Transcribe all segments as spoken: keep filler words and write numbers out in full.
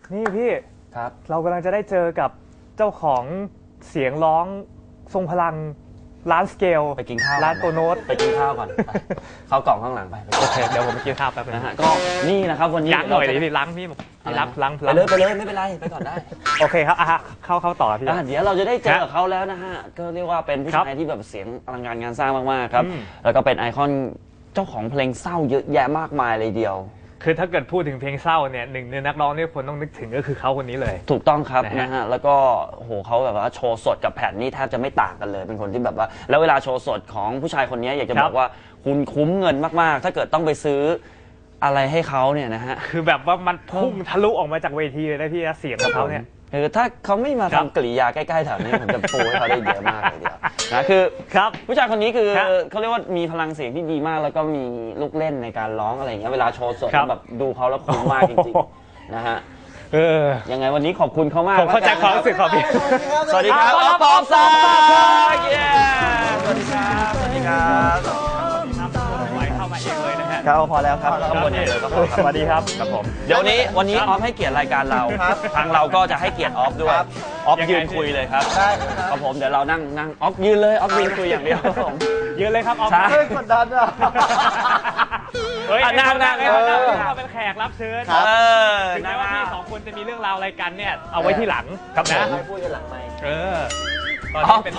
นี่พี่ครับเรากำลังจะได้เจอกับเจ้าของเสียงร้องทรงพลังร้านสเกลไปกินข้าวร้านโตโน้ตไปกินข้าวก่อนเข้ากล่องข้างหลังไปโอเคเดี๋ยวผมไปกินข้าวแป๊บนึงนะฮะก็นี่นะครับวันนี้ล้างหน่อยดิพี่ล้างพี่พี่รับล้างไปเลยไปเลยไม่เป็นไรไปก่อนได้โอเคครับอ่ะเข้าเข้าต่อพี่เดี๋ยวเราจะได้เจอกับเขาแล้วนะฮะก็เรียกว่าเป็นผู้ชายที่แบบเสียงอลังการงานสร้างมากๆครับแล้วก็เป็นไอคอนเจ้าของเพลงเศร้าเยอะแยะมากมายเลยเดียวคือถ้าเกิดพูดถึงเพลงเศร้าเนี่ยหนึ่งในนักร้องที่คนต้องนึกถึงก็คือเขาคนนี้เลยถูกต้องครับนะฮะแล้วก็โอ้โหเขาแบบว่าโชว์สดกับแผ่นนี่แทบจะไม่ต่างกันเลยเป็นคนที่แบบว่าแล้วเวลาโชว์สดของผู้ชายคนนี้อยากจะบอกว่าคุณคุ้มเงินมากๆถ้าเกิดต้องไปซื้ออะไรให้เขาเนี่ยนะฮะคือแบบว่ามันพุ่งทะลุออกมาจากเวทีเลยนะพี่เสียงของเขาเนี่ยคือถ้าเขาไม่มาทำกริยาใกล้ๆแถวนี้ผมจะโปรให้เขาได้เยอะมากเลยเดียวนะคือครับผู้ชายคนนี้คือเขาเรียกว่ามีพลังเสียงที่ดีมากแล้วก็มีลูกเล่นในการร้องอะไรอย่างเงี้ยเวลาโชว์สดแบบดูเขาแล้วคุ้มมากจริงๆนะฮะเออยังไงวันนี้ขอบคุณเขามากผมเข้าใจความรู้สึกของพี่สวัสดีครับอ๊อฟปองศักดิ์สวัสดีครับสวัสดีครับเข้ามาเองเลยนะฮะครับพอแล้วครับแล้วก็บนนี้เลยก็พอสวัสดีครับครับผมเดี๋ยวนี้วันนี้ออฟให้เกียรติรายการเราทางเราก็จะให้เกียรติออฟด้วยออฟยืนคุยเลยครับได้ครับผมเดี๋ยวเรานั่งนั่งออฟยืนเลยออฟยืนคุยอย่างเดียวครับผมยืนเลยครับออฟเฮ้ยกดดันอ่ะเฮ้ยนั่งนั่งนั่งเราเป็นแขกรับเชิญถึงแม้ว่าพี่สองคนจะมีเรื่องราวอะไรกันเนี่ยเอาไว้ที่หลังครับนะพูดกันหลังไมค์เออตอนนี้เป็น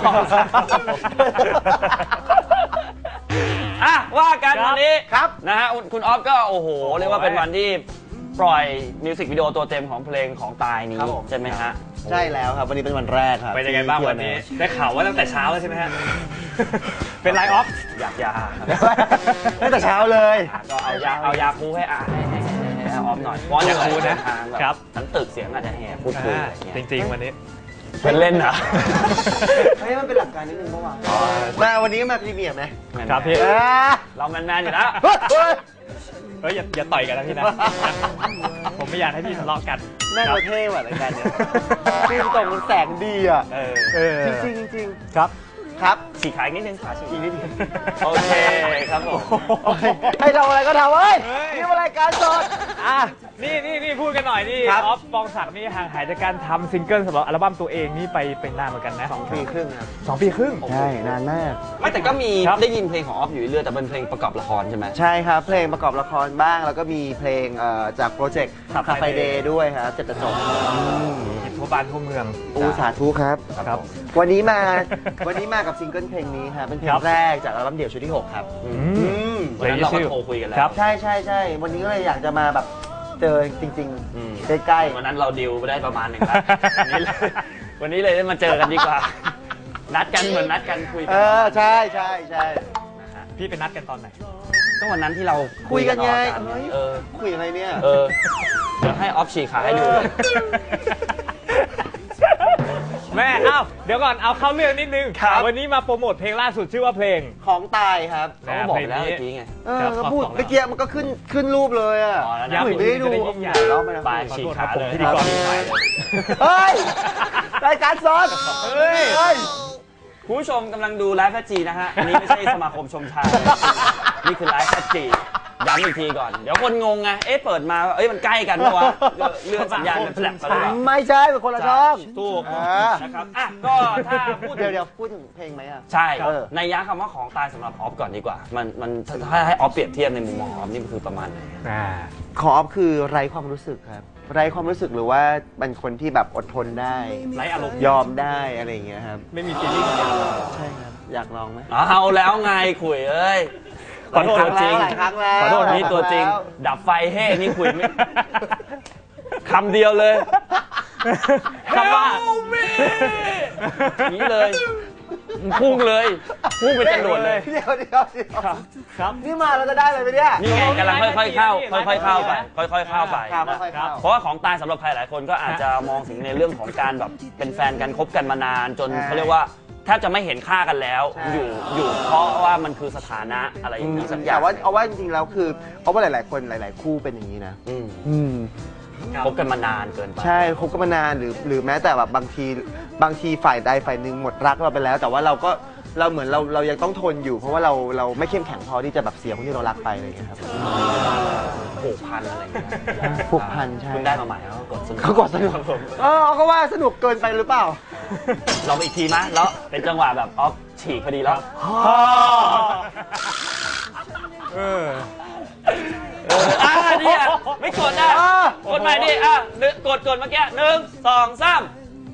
อ่ะว่ากันวันนี้ครับนะฮะคุณออฟก็โอ้โหเรียกว่าเป็นวันที่ปล่อยมิวสิกวิดีโอตัวเต็มของเพลงของตายนี้ใช่ไหมฮะใช่แล้วครับวันนี้เป็นวันแรกครับเป็นยังไงบ้างวันนี้ได้ข่าวว่าตั้งแต่เช้าแล้วใช่ไหมฮะเป็นไลฟ์ออฟอยากยาตั้งแต่เช้าเลยก็เอายาเอายาคูให้อ่านให้ให้ออฟหน่อยเพราะอยากคูนะครับทั้งตึกเสียงอาจจะแหบพูดคุยจริงๆวันนี้เป็นเล่นเหรอเฮ้ยมันเป็นหลักการนิดนึงเมื่อวานมาวันนี้มาพรีเมียร์ไหมครับพี่เราแมนๆอยู่แล้วเฮ้ยอย่าอย่าต่อยกันนะพี่นะผมไม่อยากให้พี่ทะเลาะกันน่าจะเท่ว่ะรายการเนี้ยคือตรงมันแสงดีอ่ะจริงจริงจริงครับครับฉีกขาอีกนิดนึงขาฉีกอีกนิดนึงโอเคครับผมให้ทำอะไรก็ทำเฮ้ยนี่เป็นรายการสดอ่ะนี่นี่นี่พูดกันหน่อยนี่ออฟปองศักดิ์นี่ห่างหายจากการทำซิงเกิลสำหรับอัลบั้มตัวเองนี่ไปเป็นนานเหมือนกันนะสองปีครึ่งครับสองปีครึ่งใช่นานมากไม่แต่ก็มีได้ยินเพลงของออฟอยู่เรื่อยแต่เป็นเพลงประกอบละครใช่ไหมใช่ครับเพลงประกอบละครบ้างแล้วก็มีเพลงจากโปรเจกต์คาเฟ่เดย์ด้วยครับเจ็ดจบทั่วบ้านทั่วเมืองอูสาธุครับครับวันนี้มาวันนี้มากับซิงเกิลเพลงนี้ครับเป็นเพลงแรกจากอัลบั้มเดี่ยวชุดที่หกครับวันนั้นเราก็โทรคุยกันแล้วใช่ใช่ใช่วันนี้ก็เลยอยากจะมาแบบเจอจริงๆใกล้ๆวันนั้นเราดิวไปได้ประมาณหนึ่งแล้ววันนี้เลยได้มาเจอกันดีกว่านัดกันเหมือนนัดกันคุยกันเออใช่ใช่ใช่พี่ไปนัดกันตอนไหนก็วันนั้นที่เราคุยกันไงเออคุยอะไรเนี่ยเออเดี๋ยวให้ออฟฉีกขาให้ดูแม่เอ้าเดี๋ยวก่อนเอาเข้าเรื่องนิดนึงวันนี้มาโปรโมทเพลงล่าสุดชื่อว่าเพลงของตายครับเขาบอกแล้วเมื่อกี้ไงเออเขาพูดเมื่อกี้มันก็ขึ้นขึ้นรูปเลยอ่ะยังไม่ได้ดูร้องไปนะปลายฉีกขาเลยพิธีกรเฮ้ยรายการสดเฮ้ยคุณผู้ชมกำลังดูไลฟ์แฟจีนะฮะอันนี้ไม่ใช่สมาคมชมชายนี่คือไลฟ์แฟจีย้ำอีกทีก่อนเดี๋ยวคนงงไงเอ๊ะเปิดมาเอ้ยมันใกล้กันปะวะเลื่อนสัญญาณเป็นแฟลชไปเลยไม่ใช่เป็นคนละช่องถูกนะครับอ่ะก็ถ้าพูดเดี๋ยวเดี๋ยวพูดถึงเพลงไหมอ่ะใช่ในยะคำว่าของตายสำหรับออฟก่อนดีกว่ามันมันถ้าให้ออฟเปรียบเทียบในมุมมองออฟนี่มันคือประมาณไหนของออฟคือไร้ความรู้สึกครับไร้ความรู้สึกหรือว่าเป็นคนที่แบบอดทนได้ไร้อารมณ์ยอมได้อะไรอย่างเงี้ยครับไม่มีฟีลลิ่งใช่ครับอยากลองไหมเอาแล้วไงคุยเอ้ยขอโทษจริงขอโทษนี่ตัวจริงดับไฟเฮ้นี่คุยไม่คำเดียวเลยคำว่านี้เลยพุ่งเลยพุ่งไปจรวดเลยเดี๋ยวเดี๋ยวครับนี่มาเราจะได้เลยไหมเนี่ยนี่ไงกำลังค่อยๆเข้าค่อยๆเข้าไปค่อยๆเข้าไปเพราะว่าของตายสำหรับใครหลายคนก็อาจจะมองถึงในเรื่องของการแบบเป็นแฟนกันคบกันมานานจนเขาเรียกว่าแทบจะไม่เห็นค่ากันแล้วอยู่อยู่เพราะว่ามันคือสถานะอะไรอย่างนี้สักอย่างแต่ว่าเอาว่าจริงๆแล้วคือเพราะว่าหลายๆคนหลายๆคู่เป็นอย่างนี้นะคบกันมานานเกินไปใช่คบกันมานานหรือหรือแม้แต่แบบบางทีบางทีฝ่ายใดฝ่ายหนึ่งหมดรักเราไปแล้วแต่ว่าเราก็เราเหมือนเราเรายังต้องทนอยู่เพราะว่าเราเราไม่เข้มแข็งพอที่จะแบบเสียคนที่เรารักไปอะไรอย่างเงี้ยครับโอ้ผูกพันอะไรอย่างเงี้ยผูกพันใช่คุณได้มาใหม่เขากดสนุกเขากดสนุกเออเขาก็ว่าสนุกเกินไปหรือเปล่าลองอีกทีมั้ยแล้วเป็นจังหวะแบบออฟฉีกพอดีแล้วเออเอออ่ะเนี่ยไม่กดอ่ะกดใหม่ดิอ่ะกดกดเมื่อกี้หนึ่งสองสาม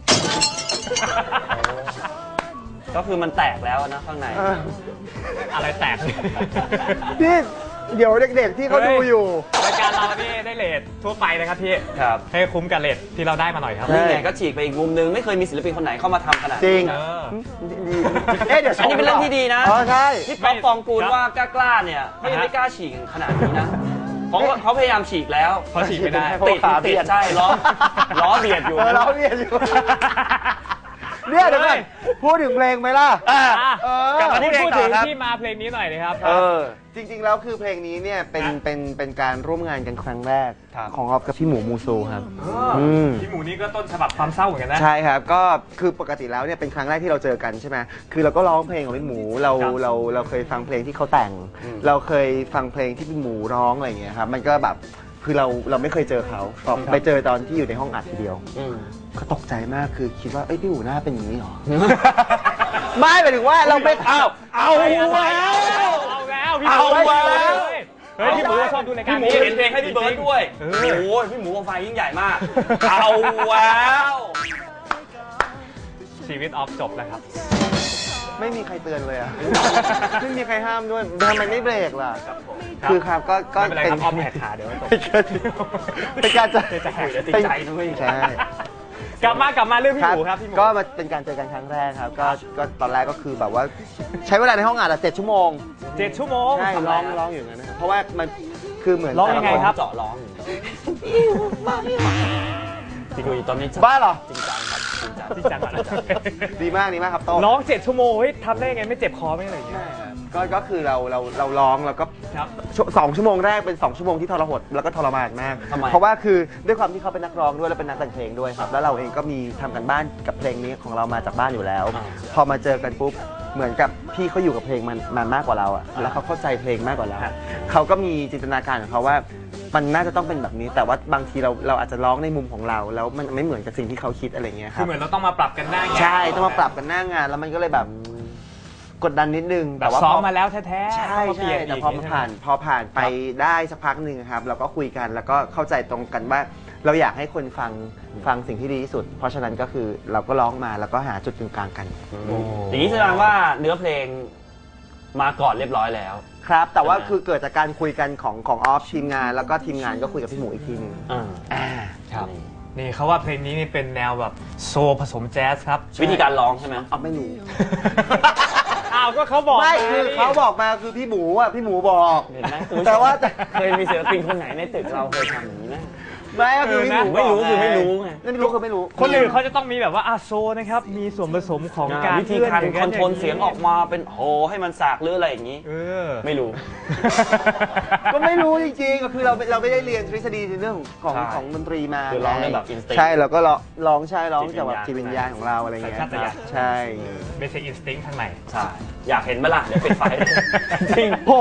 ก็คือมันแตกแล้วนะข้างในอะไรแตกพี่เดี๋ยวเด็กๆที่เขาดูอยู่รายการเรานี่ได้เลททั่วไปนะครับพี่ครับให้คุ้มกับเลทที่เราได้มาหน่อยครับนี่ไงก็ฉีกไปอีกมุมนึงไม่เคยมีศิลปินคนไหนเข้ามาทำขนาดจรินี้งเออดีเอ๊ะเดี๋ยวอันนี้เป็นเรื่องที่ดีนะอ๋อใช่ที่ป๊อปปองกูลว่ากล้าๆเนี่ยเขายังไม่กล้าฉีกขนาดนี้นะเพราะว่าเขาพยายามฉีกแล้วเขาฉีกไม่ได้ติดติดใช่ล้อล้อเบียดอยู่เออล้อเบียดอยู่เนี่ยเดี๋ยวก่อนพูดถึงเพลงไหมล่ะอ่ะอ่ะเออกลับมาที่พูพูดดถึถึงงที่มาเพลงนี้หน่อยนะครับเออจริงๆแล้วคือเพลงนี้เนี่ยเป็นอ่ะเป็นเป็นการร่วมงานกันครั้งแรกครับของออฟกับพี่หมูมูซูครับอืมมพี่หมูนี่ก็ต้นฉบับความเศร้าเหมือนกันนะใช่ครับก็คือปกติแล้วเนี่ยเป็นครั้งแรกที่เราเจอกันใช่ไหมคือเราก็ร้องเพลงของพี่หมูเราครับเราเราเคยฟังเพลงที่เขาแต่งอืมเราเคยฟังเพลงที่พี่หมูร้องอะไรอย่างเงี้ยครับมันก็แบบคือเราเราไม่เคยเจอเขาพอไปเจอตอนที่อยู่ในห้องอัดทีเดียวอืมก็ตกใจมากคือคิดว่าเอ้ยพี่หมูหน้าเป็นอย่างนี้เหรอ ไม่หมายถึงว่าเราไม่เอาเอาเอาแล้วเอาแล้วพี่หมูเอาแล้วเฮ้ยพี่หมูชอบดูรายการพี่หมูนี้เขียนเพลงให้พี่เบิร์ดด้วยเอโอ้อโหพี่หมูวงไฟยิ่งใหญ่มาก เอาแล้วชีวิตออฟจบแล้วครับไม่มีใครเตือนเลยอะ ไม่มีใครห้ามด้วยทำไมไม่เบรกล่ะครับผมคือครับก็ก็ไม่เป็นไรครับออฟแหกขาเดี๋ยวจบเป็นการจะจะแหกติดใจด้วยใช่กลับมากลับมาเรื่องพี่หมูครับพี่หมูก็มาเป็นการเจอกันครั้งแรกครับ ก็ก็ตอนแรกก็คือแบบว่า ใช้เวลาในห้องอัดอะเจ็ดชั่วโมงเจ็ดชั่วโมงใช่ร้องร้องอยู่อย่างนั้นนะครับเพราะว่ามันคือเหมือนร้องยังไงครับเจาะร้องจริงๆตอนนี้บ้าเหรอจริงจังครับจริงจังจริงจังอ่ะดีมากดีมากครับโต้งร้องเจ็ดชั่วโมงเฮ้ยทำได้ไงไม่เจ็บคอไม่อะไรอย่างเงี้ยใช่ครับก็ก็คือเราเราเราร้องแล้วก็ครับชั่วสองชั่วโมงแรกเป็นสองชั่วโมงที่ทรหดแล้วก็ทรมานมากทำไมเพราะว่าคือด้วยความที่เขาเป็นนักร้องด้วยแล้วเป็นนักแต่งเพลงด้วยครับ แล้วเราเองก็มีทำกันบ้านกับเพลงนี้ของเรามาจากบ้านอยู่แล้ว พอมาเจอกันปุ๊บเหมือนกับพี่เขาอยู่กับเพลงมันมามากกว่าเราอะแล้วเขาเข้าใจเพลงมากกว่าเราเขาก็มีจินตนาการของเขาว่ามันน่าจะต้องเป็นแบบนี้ แต่ว่าบางทีเราเราอาจจะร้องในมุมของเรา แล้วมันไม่เหมือนกับสิ่งที่เขาคิดอะไรเงี้ยคคืรัอบ เหมือนเราต้องมาปรับกันหน้างานใช่ต้องมาปรับกันหน้างาน แล้วมันก็เลยแบบกดดันนิดนึงแบบว่าซ้อมพมาแล้วแท้ๆใช่ต้องมาเปใช่ลี่ยนแต่กพอมาผ่านพอผ่านไปได้สักพักหนึ่งครับเราก็คุยกันแล้วก็เข้าใจตรงกันว่า เราอยากให้คนฟังฟังสิ่งที่ดีที่สุด เพราะฉะนั้นก็คือเราก็ร้องมาแล้วก็หาจุดกึ่งกลางกันอย่างนี้แสดงว่าเนื้อเพลงมาก่อนเรียบร้อยแล้วครับ แต่ว่าใช่ไหมคือเกิดจากการคุยกันของของออฟทีมงาน แล้วก็ทีมงานก็คุยกับพี่หมูอีกทีหนึงอ่าอ่าครับนี่เขาว่าเพลงนี้นี่เป็นแนวแบบโซลผสมแจ๊สครับวิธีการร้องใช่ไหมออฟไม่รู้อ้าวก็เขาบอกไม่าคือนี่เขาบอกมาคือพี่หมูอ่ะพี่หมูบอกเห็นไหมคุณผู้ชมแต่ว่าเคยมีศิลปินคนไหนในตึกเราเคยทำอย่างนี้ไหมไม่ก็คือพี่หมูไม่รู้คือไม่รู้ไงไม่รู้คือไม่รู้คนอื่นเขาจะต้องมีแบบว่าอาโซนะครับ มีส่วนผสมของการวิธีการเลื่คอนโทรลเสียงออกมาเป็นโหให้มันสากหรืออะไรอย่างนี้เออไม่รู้ก็ไม่รู้จริงๆก็คือเราเราไม่ได้เรียนทฤษฎีในเรื่องของใช่ของดนตรีมาคือร้องได้แบบ instinct ใช่เราก็ร้องร้องใช่ร้องจากแบบจิจิตตวิวิญญญาญาณณของเราอะไรอย่างเงี้ยสัญชาตญาณใช่ไม่ใช่อินสติ้งข้างในใช่ อยากเห็นไหมล่ะ เดี๋ยวปิดไฟ จริงโอ้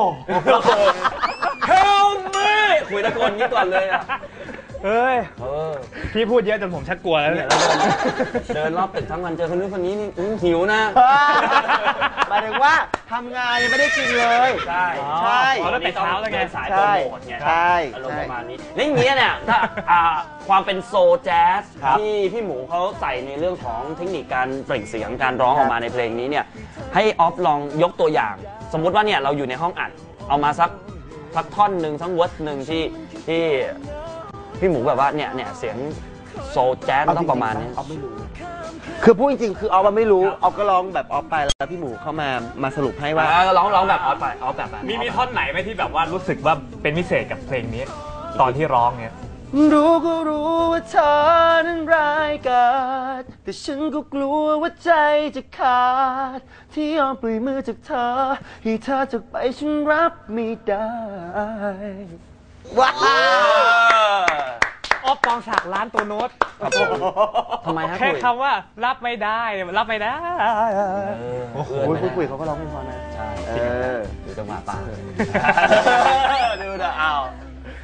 Help me คุยตะโกนนี้ก่อนเลยอ่ะเอ้ยเออพี่พูดเยอะจนผมชักกลัวแล้วเนี่เนี่ย ยเราเดินเดินรอบตึกทั้งวันเจอคนนู้นคนนี้นี่อื้อหิวนะหมายถึงว่าทำงานยังไม่ได้กินเลยใช่ใช่อ๋อแล้วแต่เช้าแล้วไงดินสายโปรโมทไงใช่อารมณ์ประมาณนี้แล้วอย่างเงี้ยเนี่ยถ้าอ่าความเป็นโซลแจ๊สที่พี่หมูเขาใส่ในเรื่องของเทคนิคการเปล่งเสียงการร้องออกมาในเพลงนี้เนี่ยให้ออฟลองยกตัวอย่าง สมมุติว่าเนี่ยเราอยู่ในห้องอัดเอามาสักสักท่อนหนึ่งสักเวิร์ดหนึ่งที่ที่พี่หมูแบบว่าเนี่ยเนี่ยเสียงโซลแจ๊สมันต้องประมาณนี้ออฟไม่รู้ คือพูดจริงๆ คือออฟมันไม่รู้ออฟก็ร้องแบบออฟไปแล้วพี่หมูเข้ามามาสรุปให้ว่าอ่าร้องร้องแบบออฟไปออฟแบบแบบมีมีท่อนไหนไหมที่แบบว่ารู้สึกว่าเป็นพิเศษกับเพลงนี้ ตอนที่ร้องเนี่ยรู้ก็รู้ว่าเธอนั้นร้ายกาจแต่ฉันก็กลัวว่าใจจะขาด ที่ยอมปล่อยมือจากเธอให้เธอจากไปฉันรับไม่ได้ว้าวออฟปองศักดิ์ร้านตัวโน้ตทำไมฮะแค่คุยคำว่ารับไม่ได้รับไม่ได้โอ้โหคุยคุยเขาก็ร้องเพลงเพอนะใช่เออดูจังหวะปากดูนะเอา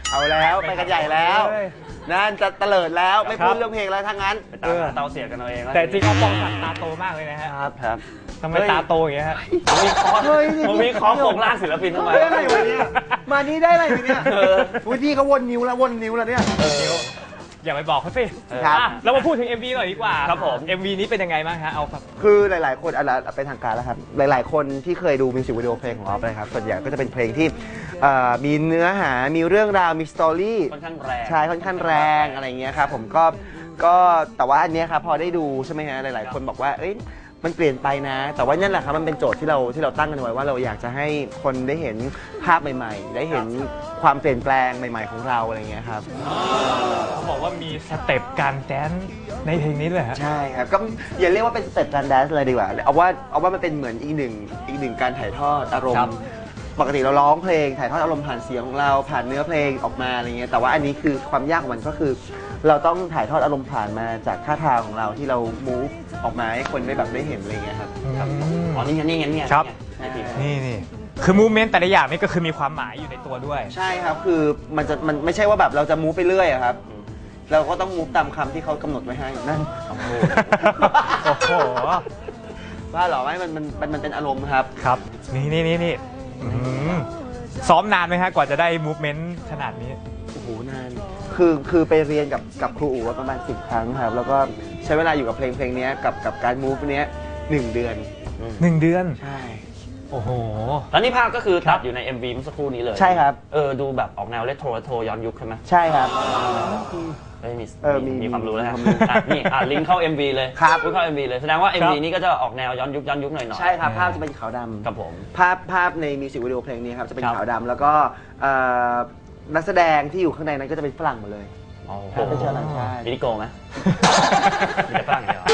เอาแล้วไปกันใหญ่แล้วนั่นจะเตลิดแล้วไม่พูดเรื่องเพลงแล้วทั้งนั้นไปตามหาเตาเสียกันเอาเองแล้วแต่จริงเขาปองสักตาโตมากเลยนะฮะครับครับทำไมตาโตอย่างเงี้ยฮะผมมีคอร์สเฮ้ยนี่ผมมีคอร์สโครงร่างศิลปินทำไมเฮ้ยอะไรวะเนี่ยมานี่ได้อะไรเนี่ยเออวุฒิเขาวนนิ้วแล้ววนนิ้วแล้วเนี่ยอย่าไปบอกเขาสิครับอ่ะเรามาพูดถึง เอ็ม วี หน่อยดีกว่าครับผมเอ็ม วี นี้เป็นยังไงบ้างฮะเอาครับคือหลาย ๆ คนอะไรเป็นทางการแล้วครับหลาย ๆ คนที่เคยดูมิวสิกวิดีโอเพลงของออฟนะครับส่วนใหญ่ก็จะเป็นเพลงที่เอ่อมีเนื้อหามีเรื่องราวมีสตอรี่ค่อนข้างแรงใช่ค่อนข้างแรงอะไรอย่างเงี้ยครับผมก็ก็แต่ว่าอันเนี้ยครับพอได้ดูใช่ไหมฮะหลาย ๆ คนบอกว่าเอ้ยมันเปลี่ยนไปนะ แต่ว่านั่นแหละครับมันเป็นโจทย์ที่เราที่เราตั้งกันไว้ว่าเราอยากจะให้คนได้เห็นภาพใหม่ ๆ ได้เห็นความเปลี่ยนแปลงใหม่ ๆ ของเราอะไรอย่างเงี้ยครับเขาบอกว่ามีสเต็ปการแดนซ์ในเพลงนี้เลยฮะใช่ครับก็อย่าเรียกว่าเป็นสเต็ปการแดนซ์เลยดีกว่าเอาว่าเอาว่ามันเป็นเหมือนอีกหนึ่งอีกหนึ่งการถ่ายทอดอารมครัณ์บปกติเราร้องเพลงถ่ายทอดอารมณ์ผ่านเสียงของเราผ่านเนื้อเพลงออกมาอะไรเงี้ยแต่ว่าอันนี้คือความยากของมันก็คือ เราต้องถ่ายทอดอารมณ์ผ่านมาจากท่าทางของเราที่เรา move ออกมาให้คนได้แบบได้เห็นอะไรเงี้ยครับอ๋อนี่ไงนี่ไงนี่ไงครับนี่ไงนี่นี่คือมูเมนต์แต่ละอย่างนี่ก็คือมีความหมายอยู่ในตัวด้วยใช่ครับคือมันจะมันไม่ใช่ว่าแบบเราจะ move ไปเรื่อยอะครับเราก็ต้อง move ตามคำที่เขากำหนดไว้ให้นั่นโอ้โหโอ้โหว่าหรอไม่มันมันมันมันเป็นอารมณ์ครับครับ นี่นี่นี่นี่อื้อหือซ้อมนานไหมฮะกว่าจะได้มูฟเมนต์ขนาดนี้โอ้โหนาน คือคือไปเรียนกับกับครูอู๋ประมาณสิบครั้งครับ แล้วก็ใช้เวลาอยู่กับเพลงเพลงนี้กับกับการมูฟเนี้ยหนึ่งเดือนหนึ่งเดือนใช่โอ้โหแล้วนี่ภาพก็คือตัดอยู่ใน เอ็ม วี เมื่อสักครู่นี้เลยใช่ครับเออดูแบบออกแนวเรโทรเรโทรย้อนยุคใช่ไหมใช่ครับเอ้ยมีเออมีมีความรู้แล้วฮะมีความรู้อ่ะนี่อ่ะลิงก์เข้า เอ็ม วี เลยครับลิงก์เข้า เอ็ม วี เลยแสดงว่า เอ็ม วีครับนี้ก็จะออกแนวย้อนยุคย้อนยุคหน่อยๆใช่ครับ ภาพจะเป็นขาวดำครับผมภาพภาพในมิวสิกวิดีโอเพลงนี้ครับจะเป็นครับขาวดำแล้วก็เอ่อนักแสดงที่อยู่ข้างในนั้นก็จะเป็นฝรั่งหมดเลยโอ้โหเป็นชาวต่างชาติมินิโกไหมมีแต่ฝรั่งอย่างเดียว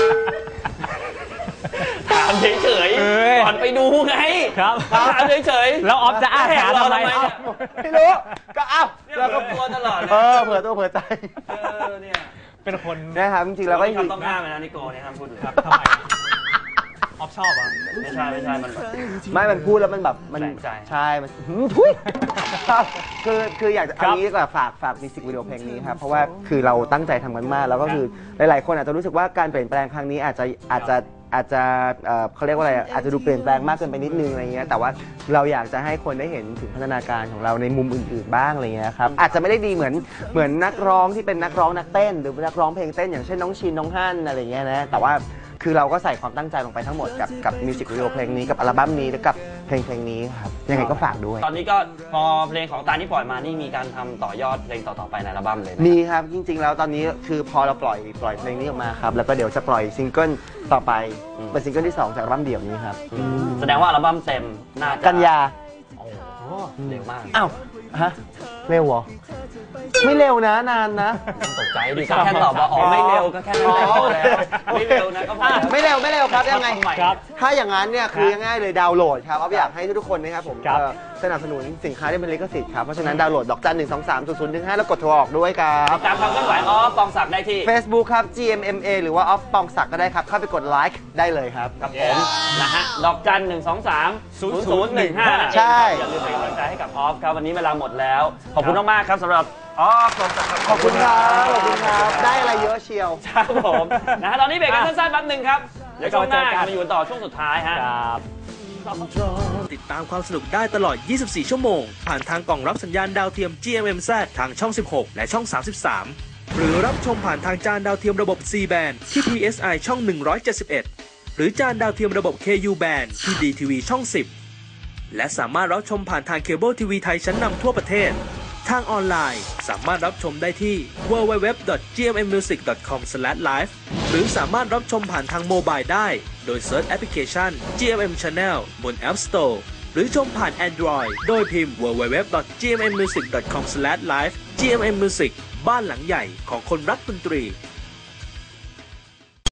ถามเฉยเอ้ยๆก่อนไปดูไงครับถามเฉยๆแล้วออฟจะอ้างหาทำไมแหกเราเนี่ยไม่รู้ ก็เอ้าเนี่ยเราก็กลัวตลอดเลยเออเผื่อตัวเผื่อใจเออเนี่ยเป็นคนนะครับจริงๆเราก็เราต้องห้ามเลยนะนิโกเนี่ยห้ามพูดเลยครับทำไมออฟชอบอ่ะไม่ใช่ไม่ใช่มันแบบไม่มันพูดแล้วมันแบบมันแปลกใจใช่มันหืมทุยครับคือคืออยากจะครัเอาบงี้ดีกว่าฝากฝากมิวสิกวิดีโอเพลงนี้ครับเพราะว่าคือเราตั้งใจทำกันมากแล้วก็คือหลายๆ คนอาจจะรู้สึกว่าการเปลี่ยนแปลงครั้งนี้อาจจะอาจจะอาจจะเอ่อเขาเรียกว่าอะไรอ่ะอาจจะดูเปลี่ยนแปลงมากเกินไปนิดนึงอะไรเงี้ยแต่ว่าเราอยากจะให้คนได้เห็นถึงพัฒนาการของเราในมุมอื่นๆบ้างอะไรเงี้ยครับอาจจะไม่ได้ดีเหมือนเหมือนนักร้องที่เป็นนักร้องนักเต้น หรือนักร้องเพลงเต้นอย่างเช่นน้องชินน้องฮั่นอะไรเงี้ยนะแต่ว่าคือเราก็ใส่ความตั้งใจลงไปทั้งหมดกับกับมิวสิกวิดีโอเพลงนี้กับอัลบั้มนี้และกับเพลงเพลงนี้ครับยังไงก็ฝากด้วยตอนนี้ก็พอเพลงของตานี่ปล่อยมานี่มีการทำต่อยอดเพลงต่อๆไปในอัลบั้มเลยนะมีครับจริงๆแล้วตอนนี้คือพอเราปล่อยปล่อยเพลงนี้ออกมาครับแล้วก็เดี๋ยวจะปล่อยซิงเกิลต่อไปเป็นซิงเกิลที่สองจากอัลบั้มเดี่ยวนี้ครับแสดงว่าอัลบั้มเต็มน่าจะกันยาโอ้โหเร็วมากอ้าวฮะเร็วเหรอไม่เร็วนะนานนะต้องตกใจดิก็แค่ตอบว่าอ๋อไม่เร็วก็แค่นั้นแหละพอแล้วไม่เร็วนะก็พอแล้วไม่เร็วไม่เร็วครับยังไงครับถ้าอย่างนั้นเนี่ยคือง่ายๆเลยดาวน์โหลดครับเอาอยากให้ทุกๆคนนะครับผมครับเอ่อสนับสนุนสินค้าที่เป็นลิขสิทธิ์ครับเพราะฉะนั้นดาวน์โหลดดอกจันหนึ่งสองสามศูนย์ศูนย์หนึ่งห้าแล้วกดโทรออกด้วยครับติดตามความเคลื่อนไหวออฟปองศักดิ์ได้ที่ Facebook ครับ จี เอ็ม เอ็ม เอ หรือว่าออฟปองศักดิ์ก็ได้ครับ เข้าไปกดไลค์ได้เลยครับครับผมนะฮะดอกจันหนึ่งสองสามศูนย์ศูนย์หนึ่งห้าใช่อย่าลืมเป็นกำลังใจให้กับออฟครับวันนี้เวลาหมดแล้ว ขอบคุณมากๆครับสำหรับออฟปองศักดิ์ขอบคุณครับ ขอบคุณครับ ได้อะไรเยอะเชียวครับผมนะฮะตอนนี้เบรกกันสั้นๆแป๊บหนึงครับเดี๋ยวช่วงหน้าเดี๋ยวกลับมาเจอกันมาอยู่กันต่อช่วงสุดท้ายฮะครับติดตามความสนุกได้ตลอด ยี่สิบสี่ ชั่วโมง ผ่านทางกล่องรับสัญญาณดาวเทียม จี เอ็ม เอ็ม แซด ทางช่อง สิบหก และช่อง สามสิบสาม หรือรับชมผ่านทางจานดาวเทียมระบบ ซี แบนด์ ที่ พี เอส ไอ ช่อง หนึ่งร้อยเจ็ดสิบเอ็ด หรือจานดาวเทียมระบบ เค ยู แบนด์ ที่ ดี ที วี ช่อง สิบ และสามารถรับชมผ่านทางเคเบิลทีวีไทยชั้นนำทั่วประเทศ ทางออนไลน์สามารถรับชมได้ที่ ดับเบิลยู ดับเบิลยู ดับเบิลยู ดอท จี เอ็ม เอ็ม มิวสิก ดอท คอม สแลช ไลฟ์ หรือสามารถรับชมผ่านทางโมบายได้ โดยเซิร์ชแอปพลิเคชัน จี เอ็ม เอ็ม Channel บน App Store หรือชมผ่าน Android โดยพิมพ์ ดับเบิลยู ดับเบิลยู ดับเบิลยู ดอท จี เอ็ม เอ็ม มิวสิก ดอท คอม สแลช ไลฟ์ จี เอ็ม เอ็ม Music บ้านหลังใหญ่ของคนรักดนตรี